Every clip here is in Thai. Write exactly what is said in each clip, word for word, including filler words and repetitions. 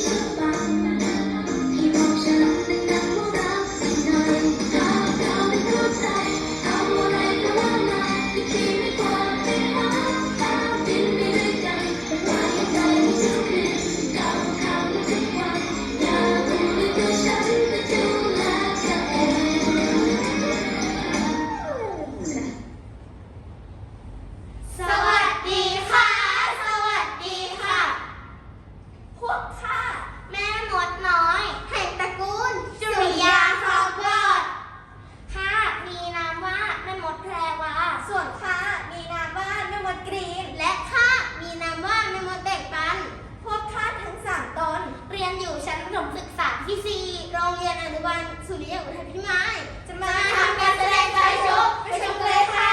สุริยะอุทัยพิมายจะมาทำการแสดงใจโชว์ไปชมกันเลยค่ะ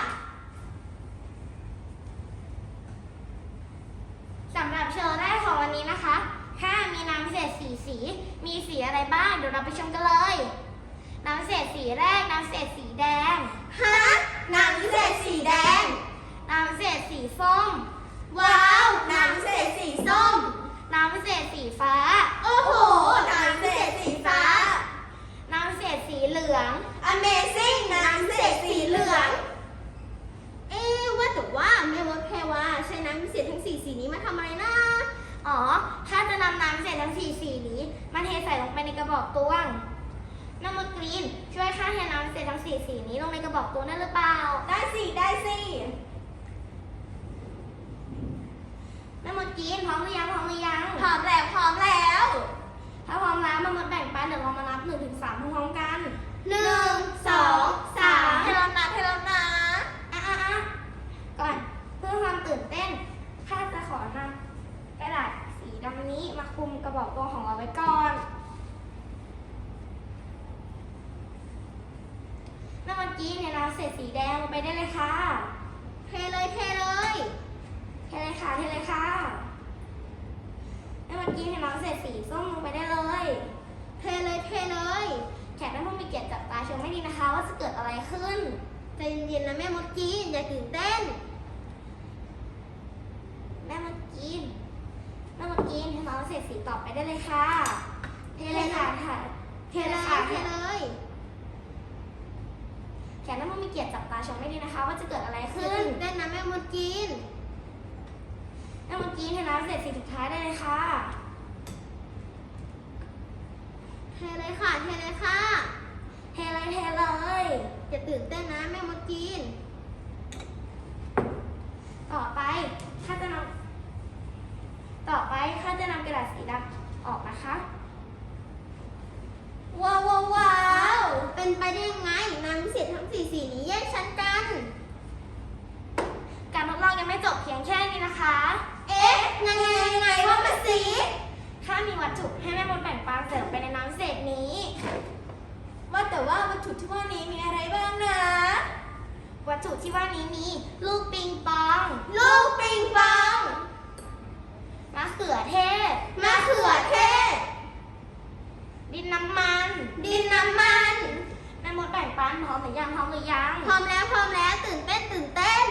สำหรับโชว์แรกของวันนี้นะคะถ้ามีน้ำพิเศษสีสีมีสีอะไรบ้างเดี๋ยวเราไปชมกันเลยน้ำพิเศษสีแรกน้ำพิเศษสีแดงฮะน้ำพิเศษสีแดงน้ำพิเศษสีส้มว้าวน้ำพิเศษสีส้มน้ำพิเศษสีฟ้าโอ้โหน้ำพิเศษสีฟ้าน้ำพิเศษสีเหลือง Amazing น้ำพิเศษสีเหลืองเอ๊ะว่าแต่ว่าแม่มดแพรวาใช้น้ำพิเศษทั้งสี่สีนี้มาทำอะไรนะอ๋อถ้าจะนำน้ำพิเศษทั้งสี่สีนี้มาเทใส่ลงไปในกระบอกตวงน้ำมดกรีนช่วยข้าเทน้ำพิเศษทั้งสี่สีนี้ลงในกระบอกตวงได้หรือเปล่าได้สิได้สิแม่มดกรีนพร้อมหรือยังพร้อมหรือยังพร้อมแล้วพร้อมแล้วถ้าพร้อมแล้วแม่มดแบ่งปันเดี๋ยวเรามานับหนึ่งถึงสามพร้อมๆกันหนึ่งสองสามให้เรานับให้เรานับอ่ะอ่ะอ่ะก่อนเพื่อความตื่นเต้นข้าจะขอนำกระดาษสีดำนี้มาคลุมกระบอกตวงของเราไว้ก่อนน้ำมันกี้เนี่ยเราเศษสีแดงลงไปได้เลยค่ะเทเลยเทเลยเทเลยค่ะเทเลยค่ะน้ำมันกี้เนี่ยเราเศษสีส้มลงไปได้เลยเทเลยเทเลยแขกท่านผู้มีเกียรติจับตาชมไม่ดีนะคะว่าจะเกิดอะไรขึ้นใจเย็นๆนะแม่มดกีนอย่าตื่นเต้นแม่มดกีนแม่มดกีนให้เราเศษสีต่อไปได้เลยค่ะเทเลยค่ะเทเลยค่ะเทเลยแขกท่านผู้มีเกียรติจับตาชมไม่ดีนะคะว่าจะเกิดอะไรขึ้นได้นะแม่มดกีนแม่มดกีนให้เราเศษสีสุดท้ายได้เลยค่ะเทเลยค่ะเทเลยค่ะเทเลยเทเลยอย่าตื่นเต้นนะแม่มดกีนต่อไปข้าจะนำต่อไปข้าจะนำกระดาษสีดำออกนะคะว้าวว้าวว้าวเป็นไปได้ยังไงน้ำพิเศษทั้งสี่สีนี้แยกชั้นกันการทดลองยังไม่จบเพียงแค่นี้นะคะเอ๊ะยังไงยังไงว่ามาสิถ้ามีวัตถุให้แม่มดแบ่งปันเสริมไปในน้ำพิเศษนี้ว่าแต่ว่าวัตถุที่ว่านี้มีอะไรบ้างนะวัตถุที่ว่านี้มีลูกปิงปองลูกปิงปองมะเขือเทศมะเขือเทศดินน้ำมันดินน้ำมันแม่มดแบ่งปันพร้อมหรือยังพร้อมหรือยังพร้อมแล้วพร้อมแล้วตื่นเต้นตื่นเต้น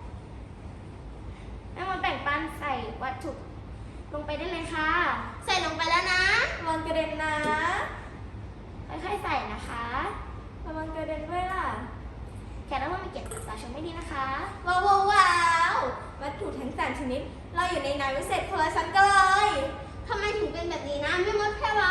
แม่มดแบ่งปันใส่วัตถุลงไปได้เลยค่ะใส่ลงไปแล้วนะระวังกระเด็นนะค่อยๆใส่นะคะระวังกระเด็นด้วยล่ะแขกรับผู้มีเกียรติจับตาชมไม่ดีนะคะว้าวว้าววัตถุทั้งสามชนิดเราอยู่ในน้ำพิเศษคนละชั้นกันเลยทำไมถึงเป็นแบบนี้นะแม่มดแค่ว่า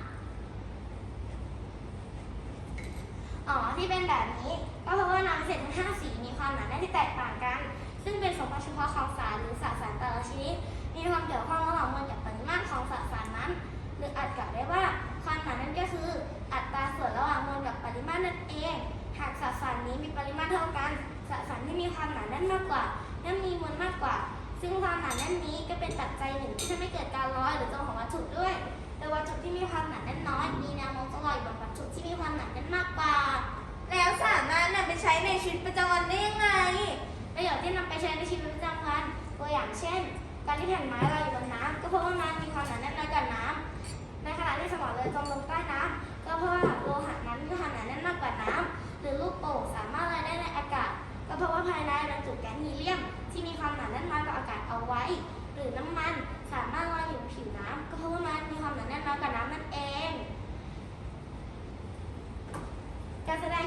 อ๋อที่เป็นแบบนี้ก็เพราะว่าน้ำพิเศษทั้งห้าสีมีความหนาแน่นที่แตกต่างกันซึ่งเป็นสมบัติเฉพาะของสารหรือสสารแต่ละชนิดมีความเกี่ยวข้องระหว่างมวลกับปริมาตรของสสารนั้นหรืออาจกล่าวได้ว่าความหนาแน่นก็คืออัตราส่วนระหว่างมวลกับปริมาตรนั่นเองหากสสารนี้มีปริมาตรเท่ากันสสารที่มีความหนาแน่นมากกว่าย่อมมีมวลมากกว่าซึ่งความหนาแน่นนี้ก็เป็นปัจจัยหนึ่งที่ทำให้เกิดการลอยหรือจมของวัตถุด้วยโดยวัตถุที่มีความหนาแน่นน้อยมีแนวโน้มจะลอยบนวัตถุที่มีความหนาแน่นมากกว่าแล้วสามารถนำไปใช้ในชีวิตประจำวันได้ยังไงประโยชน์ที่นำไปใช้ในชีวิตประจำวันตัวอย่างเช่นการที่แผ่นไม้ลอยอยู่บนน้ำก็เพราะว่ามันมีความหนาแน่นน้อยกว่าน้ำในขณะที่สมอเรือจมลงใต้น้ำก็เพราะว่าโลหะนั้นมีความหนาแน่นมากกว่าน้ำหรือลูกโป่งสามารถลอยได้ในอากาศก็เพราะว่าภายในบรรจุแก๊สฮีเลียมที่มีความหนาแน่นน้อยกว่าอากาศเอาไว้หรือน้ำมันสามารถลอยอยู่บนผิวน้ำก็เพราะว่ามัน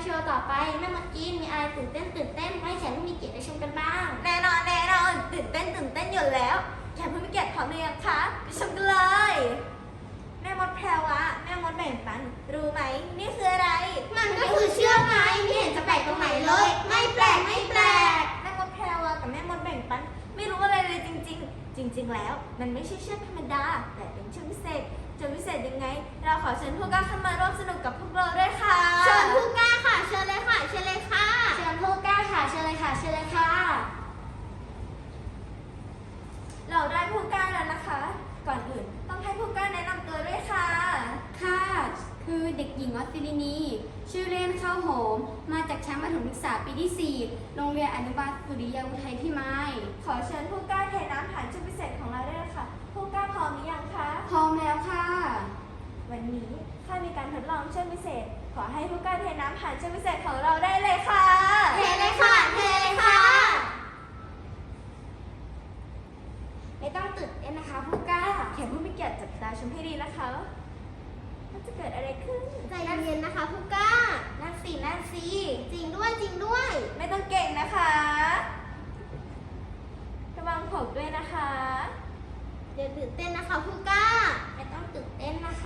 โชว์ต่อไปแม่มดจีนมีอะไรตื่นเต้นตื่นเต้นให้แขกผู้มีเกียรติได้ชมกันบ้างแน่นอนแน่นอนตื่นเต้นตื่นเต้นอยู่แล้วแขกผู้มีเกียรติพร้อมหรือยังคะไปชมกันเลยแม่มดแพรวะแม่มดแบ่งปันรู้ไหมนี่คืออะไรมันก็คือเชือกไงไม่เห็นจะแปลกตรงไหนเลย ไม่แปลกไม่แปลกแม่มดแพรวะกับแม่มดแบ่งปันไม่รู้อะไรเลยจริง ๆ จริง ๆ แล้ว มันไม่ใช่เชือกธรรมดาแต่เป็นเชือกพิเศษจะพิเศษยังไง เราขอเชิญผู้กล้าเข้ามาร่วมสนุกกับพวกเราด้วยค่ะเชิญผู้กล้าค่ะเชิญเลยค่ะเชิญเลยค่ะเชิญผู้กล้าค่ะเชิญเลยค่ะเชิญเลยค่ะเราได้ผู้กล้าแล้วนะคะ ก่อนอื่นต้องให้ผู้กล้าแนะนำตัวด้วยค่ะค่ะ คือเด็กหญิงวัสิรินี ชื่อเล่นข้าวหอม มาจากชั้นประถมศึกษาปีที่ สี่ โรงเรียนอนุบาลสุริยาอุทัยพิมายขอเชิญผู้กล้าเทน้ำผ่านชุดพิเศษของเราด้วยค่ะ ผู้กล้าพร้อมหรือยังคะพร้อมแล้วค่ะวันนี้ข้ามีการทดลองเชือกพิเศษ ขอให้ผู้กล้าเทน้ำผ่านเชือกพิเศษของเราได้เลยค่ะเทเลยค่ะเทเลยค่ะไม่ต้องตื่นเต้นนะคะผู้กล้าแขกผู้มีเกียรติจับตาชมให้ดีนะคะว่าจะเกิดอะไรขึ้นใจเย็นๆนะคะผู้กล้านั่นสินั่นสิจริงด้วยจริงด้วยไม่ต้องเก่งนะคะระวังผมด้วยนะคะเดี๋ยวตื่นเต้นนะคะผู้กล้าไม่ต้องตื่นเต้นนะคะ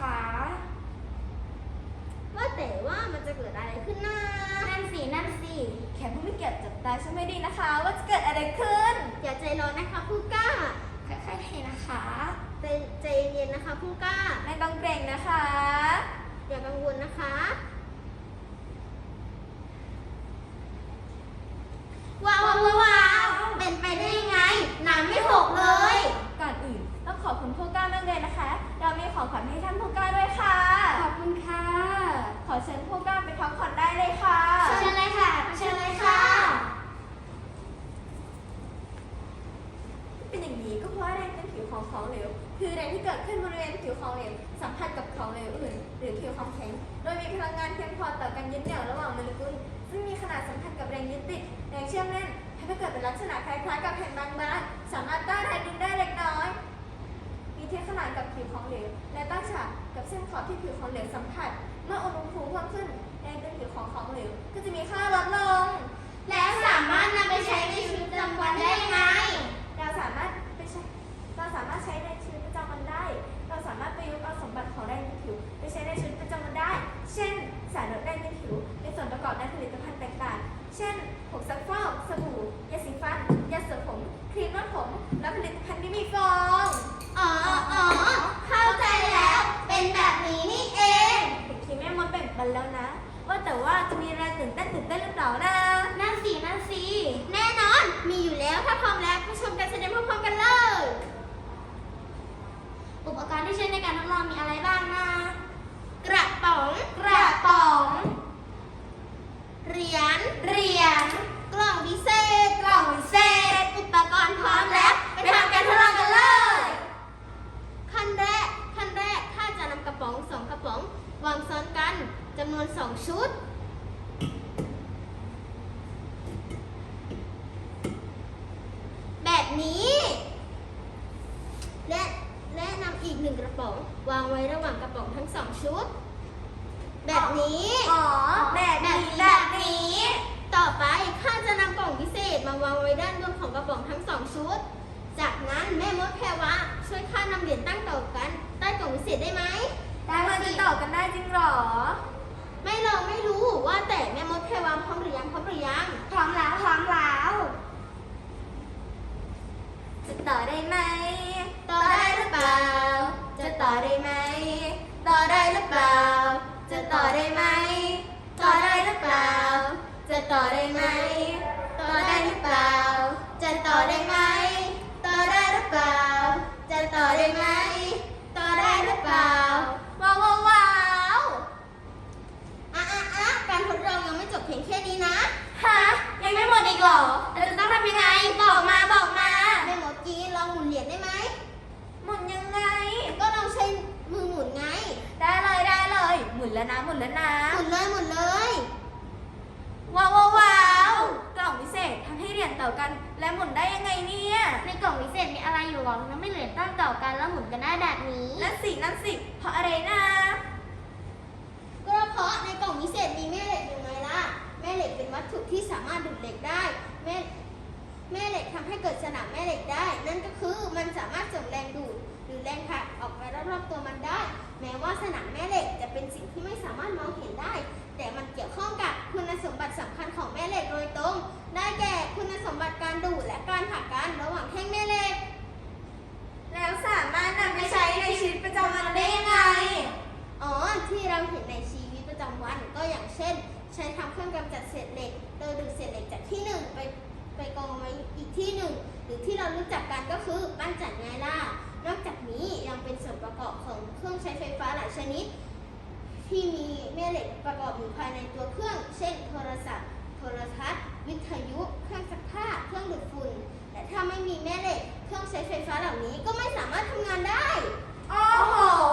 ว่าแต่ว่ามันจะเกิดอะไรขึ้นนะนั่นสินั่นสิแขกผู้มีเกียรติจับตาชมให้ดีนะคะ ว่าจะเกิดอะไรขึ้นอย่าใจร้อนนะคะผู้กล้าค่อยๆเทนะคะใจใจเย็นๆนะคะผู้กล้าไม่ต้องเกรงนะคะอย่ากังวลนะคะ ว้าวว้าวว้าวเป็นไปได้ยังไง น้ำไม่หกเลยก่อนอื่นต้องขอบคุณผู้กล้ามากเลยนะคะ เรามีของขวัญให้ท่านผู้กล้าด้วยค่ะขอบคุณค่ะขอเชิญผู้กล้าไปพักผ่อนได้เลยค่ะเชิญเลยค่ะเชิญเลยค่ะเป็นอย่างนี้ก็เพราะว่าแรงเป็นผิวของของเหลว คือแรงที่เกิดขึ้นบริเวณผิวของเหลวสัมผัสกับของเหลวอื่น หรือผิวของแข็ง โดยมีพลังงานเพียงพอต่อการยึดเหนี่ยวระหว่างโมเลกุลซึ่งมีขนาดสัมพันธ์กับแรงยึดติดแรงเชื่อมแน่นทำให้เกิดเป็นลักษณะคล้ายๆกับแผ่นบางๆสามารถต้านแรงดึงได้เล็กน้อย มีเทียบขนาดกับผิวของเหลว และตั้งฉากกับเส้นขอบที่ผิวของเหลวสัมผัส เมื่ออุณหภูมิเพิ่มขึ้นแรงดึงผิวของของเหลวก็จะมีค่าลดลงแล้วสามารถนำไปใช้ในชีวิตประจำวันได้ยังไงเราสามารถไปใช้เราสามารถใช้ในชีวิตประจำวันได้ เราสามารถประยุกต์เอาสมบัติของแรงดึงผิวไปใช้ในชีวิตประจำวันได้ เช่น สารลดแรงดึงผิวในส่วนประกอบในผลิตภัณฑ์ต่างๆ เช่นผงซักฟอกสบู่ ยาสีฟัน ยาเสระผม ครีมนวดผม และผลิตภัณฑ์ที่มีฟองอ๋ออ๋อเข้าใจแล้ว เป็นแบบนี้นี่เองถึงทีแม่มดแบ่งปันแล้วนะ ว่าแต่ว่าจะมีอะไรตื่นเต้นตื่นเต้นหรือเปล่านะนั่นสินั่นสิแน่นอน มีอยู่แล้วถ้าพร้อมแล้วไปชมการแสดงพร้อมๆกันเลย อุปกรณ์ที่ใช้ในการทดลองมีอะไรบ้างนะ กระป๋อง กระป๋อง เหรียญ เหรียญ กล่องพิเศษ กล่องพิเศษ อุปกรณ์พร้อมแล้ว ไปทำการทดลองกันเลย ขั้นแรก ขั้นแรกข้าจะนำกระป๋องสองกระป๋องวางซ้อนกันจำนวนสองชุด แบบนี้ และและนำอีกหนึ่งกระป๋องวางไว้ระหว่างกระป๋องทั้งสองชุด แบบนี้อ๋อ แบบแบบนี้นี้แบบนี้ต่อไปข้าจะนำกล่องพิเศษมาวางไว้ด้านบนของกระป๋องทั้งสองชุด จากนั้นแม่มดแพรวะช่วยข้านำเหรียญตั้งต่อกันใต้กล่องพิเศษได้ไหมได้มันจะต่อกันได้จริงเหรอไม่ลองไม่รู้ว่าแต่แม่มดแพรวะพร้อมหรือยังพร้อมหรือยังพร้อมแล้วพร้อมแล้วจะต่อได้ไหมต่อได้หรือเปล่าจะต่อได้ไหม ต่อได้หรือเปล่า จะต่อได้ไหม ต่อได้หรือเปล่า จะต่อได้ไหม ต่อได้หรือเปล่า จะต่อได้ไหม ต่อได้หรือเปล่า จะต่อได้ไหม ต่อได้หรือเปล่า ว้าวว้าวว้าวอ่ะอ่ะอ่ะการทดลองยังไม่จบเพียงแค่นี้นะฮะ ยังไม่หมดอีกเหรอเราจะต้องทำยังไง บอกมาบอกมาแม่มดจีนลองหมุนเหรียญได้ไหมหมุนยังไงก็ลองใช้มือหมุนไงได้เลยได้เลย หมุนแล้วนะหมุนแล้วนะหมุนเลยหมุนเลยว้าวว้าวว้าวกล่องพิเศษทำให้เหรียญต่อกัน และหมุนได้ยังไงเนี่ยในกล่องพิเศษมีอะไรอยู่หรอมันไม่เหรียญตั้งต่อกันแล้วหมุนกันได้แบบนี้นั่นสินั่นสิเพราะอะไรนะก็เพราะในกล่องพิเศษมีแม่เหล็กอยู่ไงล่ะารถดูดเหล็กได้แม่แม่เหล็กทำให้เกิดสนามแม่เหล็กได้ นั่นก็คือมันสามารถส่งแรงดูดหรือแรงผลักออกไปรอบๆตัวมันได้ แม้ว่าสนามแม่เหล็กจะเป็นสิ่งที่ไม่สามารถมองเห็นได้ แต่มันเกี่ยวข้องกับคุณสมบัติสำคัญของแม่เหล็กโดยตรง ได้แก่คุณสมบัติการดูดและการผลักกันระหว่างแท่งแม่เหล็กแล้วสามารถนำไปใช้ในชีวิตประจำวันได้ยังไงอ๋อ ที่เราเห็นในชีวิตประจำวันก็อย่างเช่น ใช้ทำเครื่องกำจัดเศษเหล็ก โดยดูดเศษเหล็กจากที่หนึ่งไปไปกองไว้อีกที่หนึ่ง หรือที่เรารู้จักกันก็คือปั้นจันไงล่ะ นอกจากนี้ยังเป็นส่วนประกอบของเครื่องใช้ไฟฟ้าหลายชนิด ที่มีแม่เหล็กประกอบอยู่ภายในตัวเครื่อง เช่น โทรศัพท์ โทรทัศน์ วิทยุ เครื่องซักผ้า เครื่องดูดฝุ่น แต่ถ้าไม่มีแม่เหล็ก เครื่องใช้ไฟฟ้าเหล่านี้ก็ไม่สามารถทำงานได้โอ้โห